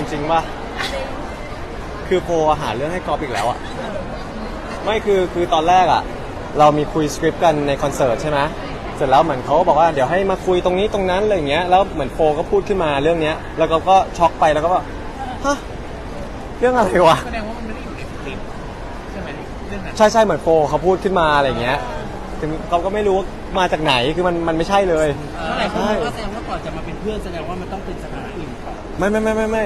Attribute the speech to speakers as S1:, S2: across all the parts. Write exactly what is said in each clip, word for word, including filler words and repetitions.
S1: จริงป่ะคือโพหาเรื่องให้กอล์ฟอีกแล้วอ่ะไม่คือคือตอนแรกอ่ะเรามีคุยสคริปต์กันในคอนเสิร์ตใช่ไหมเสร็จแล้วเหมือนเขาบอกว่าเดี๋ยวให้มาคุยตรงนี้ตรงนั้นอะไรอย่างเงี้ยแล้วเหมือนโฟก็พูดขึ้นมาเรื่องเนี้ยแล้วก็ก็ช็อกไปแล้วก็ว่าฮะเรื่องอะไรวะ
S2: แสดงว่ามันไม่ได้อยู่ในสคริปต์ใช่ไหมเรื่องนั้น
S1: ใช่ใช่เหมือนโฟเขาพูดขึ้นมาอะไรอย่างเงี้ยถึงเขาก็ไม่รู้มาจากไหนคือมันมันไม่ใช่เลย
S2: เมื่อไหร่คุณก็แสดงว่าก่อนจะมาเป็นเพื่อนแสดงว่ามันต้องเป็นสถานะอื่นก่อน
S1: ไม่ไม่ไม่ไม่ไม่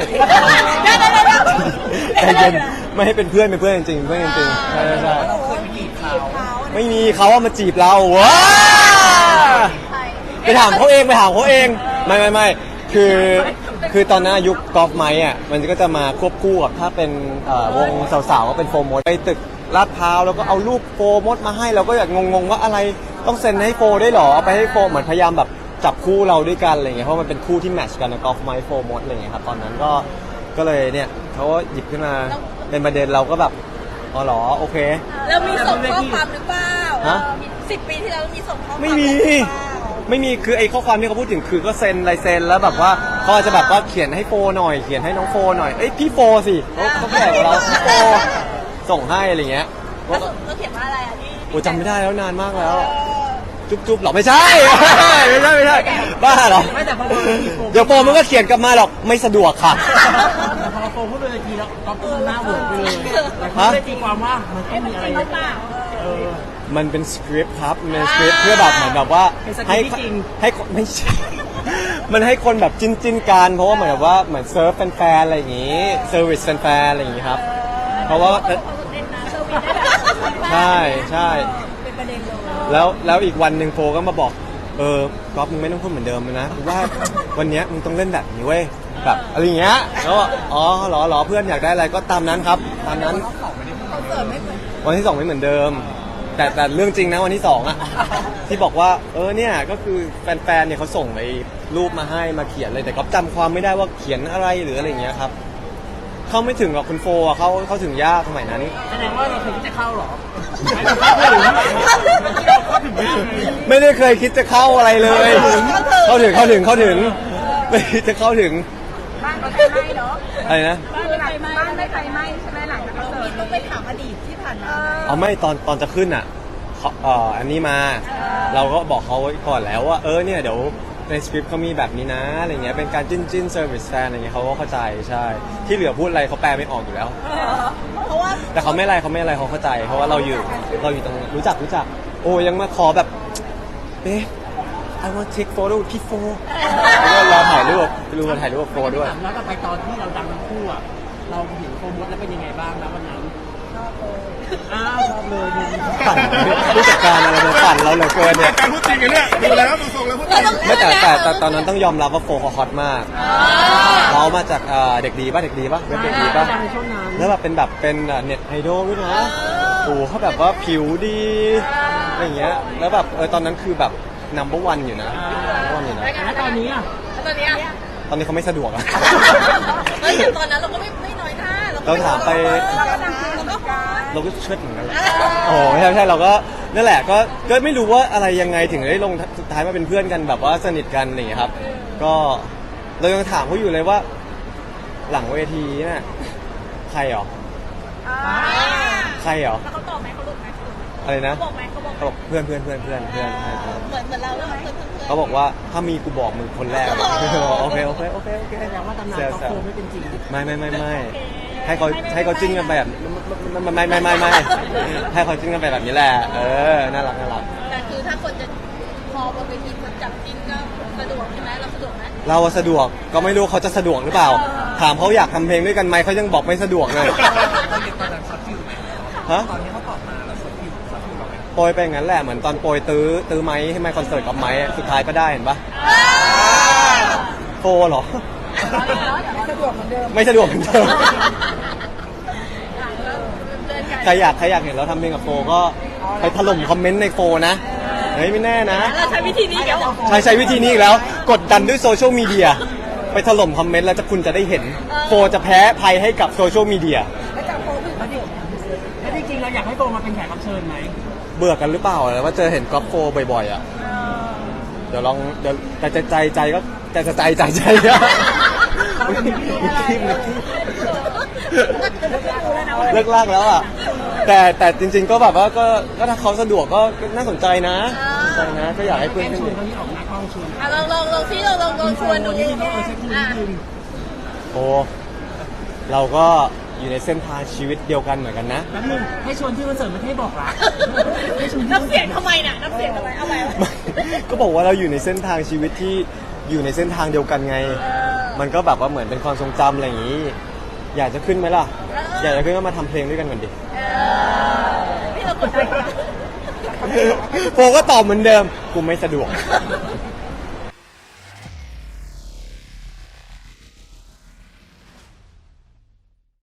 S1: ใจเย็นไม่ให้เป็นเพื่อนเป็นเพื่อนจริงๆเพื่อนจริงๆใช่ใช่
S2: เราเคยไปจีบเขา
S1: ไม่มีเขาว่ามาจีบเราว้าไปถามเขาเองไปถามเขาเองไม่ไม่ไม่คือคือตอนนั้นยุคกอล์ฟไม้อ่ะมันก็จะมาควบคู่กับถ้าเป็นวงสาวๆก็เป็นโฟร์มดไปตึกลาดพร้าวแล้วก็เอารูปโฟร์มดมาให้เราก็อยากงงๆว่าอะไรต้องเซ็นให้โฟร์ได้หรอเอาไปให้โฟร์เหมือนพยายามแบบจับคู่เราด้วยกันอะไรเงี้ยเพราะมันเป็นคู่ที่แมทช์กันนะกอล์ฟไม้โฟร์มดอะไรเงี้ยครับตอนนั้นก็ก็เลยเนี่ยเขาก็หยิบขึ้นมาเป็นประเด็นเราก็แบบอ๋อเหรอโอเค
S3: เรามีส่งข้อความหรือเปล่า
S1: ฮะ
S3: สิบปีที่แล้วมีส่งข้อความ
S1: ไม่มีไม่มีคือไอ้ข้อความที่เขาพูดถึงคือก็เซ็นลายเซ็นแล้วแบบว่าเขาอาจจะแบบว่าเขียนให้โฟหน่อยเขียนให้น้องโฟหน่อยเอ้ยพี่โฟสิเขาเขาแก่กว่าเราพี่โฟส่งให้อะไรเงี้ย
S3: แล้วเขียนว่าอะไรอ่ะที่
S1: โอ้จำไม่ได้แล้วนานมากแล้วจุ๊บจุ๊บหรอไม่ใช่ไม่ใช่ไม่ใช่บ้าเหรอ
S2: ไม่แต่พอ
S1: เดี๋ยวโฟมันก็เขียนกลับมาหรอกไม่สะดวกค่ะ
S2: แต่พอโฟพูดเลยทีแล้วก็พูดหน้าเวิร์กไปเลยแต่เขาไม่ได้ตีความว่ามันต้องมีอะไรหรือเปล่า
S1: มันเป็นสคริปต์ครับมันสคริปต์เพื่อแบบเหมือนแบบว่าให้ให้ไม่ใช่มันให้คนแบบจิ้นจิ้นกันเพราะว่าเหมือนแบบว่าเหมือนเซิร์ฟแฟนๆอะไรอย่างงี้เซอร์วิสแฟนๆอะไรอย่างงี้ครับเพราะว่าใช่ใช่แล้วแล้วอีกวันหนึ่งโฟก็มาบอกเออก๊อฟมึงไม่ต้องพูดเหมือนเดิมนะเพราะว่าวันนี้มึงต้องเล่นแบบนี้เว้ยแบบอะไรอย่างเงี้ยแล้วอ๋อหรอหรอเพื่อนอยากได้อะไรก็ตามนั้นครับตามนั้นวันที่สองไม่เหมือนเดิมแต่แต่เรื่องจริงนะวันที่สองอะที่บอกว่าเออเนี่ยก็คือแฟนๆเนี่ยเขาส่งไอ้รูปมาให้มาเขียนเลยแต่ก็จำความไม่ได้ว่าเขียนอะไรหรืออะไรอย่างเงี้ยครับเข้าไม่ถึงหรอกคุณโฟอ่ะเขาเขาถึงยากสมัยนั้น
S2: แสดงว่าเราเคยคิดจะเข้าหรอ
S1: ไม่ได้เคยคิดจะเข้าอะไรเลยเข้าถึงเข้าถึงเข้าถึงไม่จะเข้าถึง
S3: บ้านไม่ไฟไหม้เนาะ
S1: อะไรนะ
S3: บ้านไม่ไฟไหม้บ้านไม่ไฟไหม้ใช่ไหมหลังจากเราต้องไปถามอดีตที่ผ่านมา
S1: เอาไม่ตอนตอนจะขึ้นอ่ะเอ่ออันนี้มาเราก็บอกเขาไว้ก่อนแล้วว่าเออเนี่ยเดี๋ยวในสคริปต์เขามีแบบนี้นะอะไรเงี้ยเป็นการจิ้นจิ้นเซอร์วิสแฟนอะไรเงี้ยเขาก็เข้าใจใช่ที่เหลือพูดอะไรเขาแปลไม่ออกอยู่แล้ว
S3: เพราะว่า
S1: แต่เขาไม่อะไรเขาไม่อะไรเขาเข้าใจเพราะว่าเราอยู่เราอยู่ตรงรู้จักรู้จักโอ้ยังมาขอแบบเอ๊ะ I want take photo พี่โฟเราถ่ายรูปไปดูกันถ่ายรูปกับโฟด้วย
S2: แล้วก็ไปตอนที่เราดังทั้งคู่อ่ะเราเห็นโฟมดแล้วเป็นยังไงบ้างนะวันนั้นอ้าวชอบเลย
S1: ปั่นผู้จัดการอะไรมาปั่นเราเหลือเกินเนี่ย
S4: การพูดจริงกันเนี่ยดูแล้วดูทรงแล้วพูดจริง
S1: ไม่แต่แต่แต่ตอนนั้นต้องยอมรับว่าโฟเขาฮอตมากเขามาจากเด็กดีป่ะเด็กดีป่ะเป็นเด็กดีป่ะแล้วแบบเป็นแบบเป็นเน็ตไอดอลด้วยนะโอ้เขาแบบว่าผิวดีอะไรเงี้ยแล้วแบบเออตอนนั้นคือแบบนัมเบอร์วันอยู่นะนัมเบอร์วันอยู่นะ
S2: แล้วตอนนี้อ่ะ
S3: ตอนนี้
S1: ตอนนี้เขาไม่สะดวกอะ
S3: เฮ้ยตอนนั้นเราก็ไม่ไม่น้อยหน้า
S1: เราถามไป
S3: เราก็
S1: เราก็เชิดเหมือนกันโอ้ไม่ใช่ไม่ใช่เราก็นั่นแหละก็ก็ไม่รู้ว่าอะไรยังไงถึงได้ลงสุดท้ายมาเป็นเพื่อนกันแบบว่าสนิทกันอะไรอย่างเงี้ยครับก็เรายังถามเขาอยู่เลยว่าหลังเวทีน่ะใครหรอใครหรอ
S3: เขาตอบไหมเขาหลุดไหม
S1: อะไรนะ
S3: เขาบอกไหมเขาบอก
S1: เขาบอกเพื่อนเพื่อนเพื่อนเพื่อนเพื่อน
S3: เหมือนเหมือนเราแล้วเพื่อนเพื่อน
S1: เขาบอกว่าถ้ามีกูบอกมึงคนแรกโอเคโอเคโอเคโอเค
S2: แสดงว่าตำนานก็โคไม่เป็นจริง
S1: ไม่ไม่ไม่ไม่ให้เขาให้เขาจิ้นกันแบบไม่ไม่ไม่ไม่ให้เขาจิ้นกันไปแบบนี้แหละเออน่ารักน่ารัก
S3: แต่คือถ้าคนจะพอบนเวทีคนจับจิ้นก็สะดวกใช่ไหมเราสะดวกไหม
S1: เราสะดวกก็ไม่รู้เขาจะสะดวกหรือเปล่าถามเขาอยากทำเพลงด้วยกันไหมเขายังบอกไม่สะดวกเลยฮะโปรยไปงั้นแหละเหมือนตอนโปรยตื้อตื้อไม้ให้ไม้คอนเสิร์ตกับไม้สุดท้ายก็ได้เห็นปะโฟหรอไม่สะดวกเหมือนเดิมใครอยากใครอยากเห็นเราทำเพลงกับโฟก็ไปถล่มคอมเมนต์ในโฟนะเฮ้ยไม่แน่นะ
S3: เราใช้วิธีนี้แล้ว
S1: ใช้ใช้วิธีนี้อีกแล้วกดดันด้วยโซเชียลมีเดียไปถล่มคอมเมนต์แล้วจะคุณจะได้เห็นโฟจะแพ้ภัยให้กับโซเชียลมีเดีย
S2: แล้วจริงๆเราอยากให้โฟมาเป็นแขกรับเชิญไหม
S1: เบื่อกันหรือเปล่าแล้วว่าเจอเห็นก๊อฟโฟบ่อยๆอ่ะเดี๋ยวลองเดี๋ยวแต่ใจใจก็แต่ใจใจใจก็
S3: อะไร
S1: เลิกลากแล้วอ่ะแต่แต่จริง ๆ ก็แบบว่าก็ก็ถ้าเขาสะดวกก็ก็น่าสนใจนะสนใจนะก็อยากให้เพื่อน
S2: แก้
S1: ขึ้น
S2: ชวนเขาที่ออกหน้ากล้องชวน
S3: อ่ะลองลองลองซิลองลองลองชวนดู
S2: นิดนึงเออเช็คคู่นิ
S3: อ่ะ
S2: ดนึง
S1: โอ้เราก็อยู่ในเส้นทางชีวิตเดียวกันเหมือนกันนะ
S2: แป๊บนึงให้ชวนที่คอนเสิร์ตไม่ให้บอกรักให้ชวนที่
S3: น้ำเสียงทำไมน่ะน้ำเสียงทำไมเอาไปเอาไป
S1: ก็บอกว่าเราอยู่ในเส้นทางชีวิตที่อยู่ในเส้นทางเดียวกันไง
S3: เออ
S1: มันก็แบบว่าเหมือนเป็นความทรงจำอะไรอย่างนี้ อยากจะขึ้นไหมล่ะ อยากจะขึ้นก็มาทำเพลงด้วยกันก่อนดิ
S3: เออพี่เรากดดันนะ
S1: โฟก็ตอบเหมือนเดิม กูไม่สะดวก